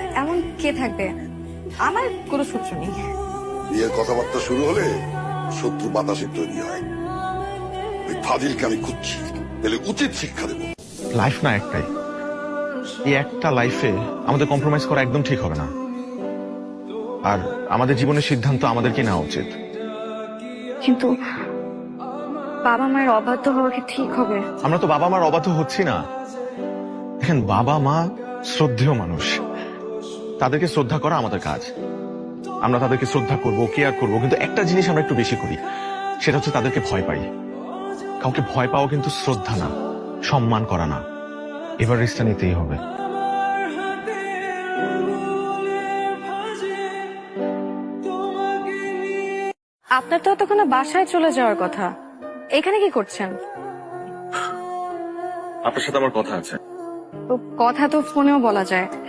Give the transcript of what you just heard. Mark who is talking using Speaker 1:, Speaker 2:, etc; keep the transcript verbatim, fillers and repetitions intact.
Speaker 1: এমন কে থাকবে? আমার কোনো শত্রু নেই।
Speaker 2: বিয়ের কথাবার্তা শুরু হলে শত্রু বাতাসে তৈরি হয়। ওই ফাজিলকে আমি খুঁজছি, তাহলে উচিত শিক্ষা দেবো।
Speaker 3: লাইফ না একটাই, এই একটা লাইফে আমাদের কম্প্রোমাইজ করা একদম ঠিক হবে না। আর আমাদের জীবনের সিদ্ধান্ত আমাদেরকে নেওয়া উচিত।
Speaker 1: কিন্তু বাবা মায়ের অবাধ্য হওয়া কি ঠিক হবে?
Speaker 3: আমরা তো বাবা মার অবাধ্য হচ্ছি না। দেখেন, বাবা মা শ্রদ্ধেয় মানুষ, তাদেরকে শ্রদ্ধা করা আমাদের কাজ। আমরা তাদেরকে শ্রদ্ধা করব, কেয়ার করব, কিন্তু একটা জিনিস আমরা একটু বেশি করি, সেটা হচ্ছে তাদেরকে ভয় পাই। কাউকে ভয় পাওয়া কিন্তু শ্রদ্ধা না, সম্মান করা না। এবার রিস্কটা নিতেই হবে।
Speaker 1: আপনার তো এতক্ষণে বাসায় চলে যাওয়ার কথা, এখানে কি করছেন?
Speaker 3: আপনার সাথে আমার কথা আছে।
Speaker 1: তো কথা তো ফোনেও বলা যায়।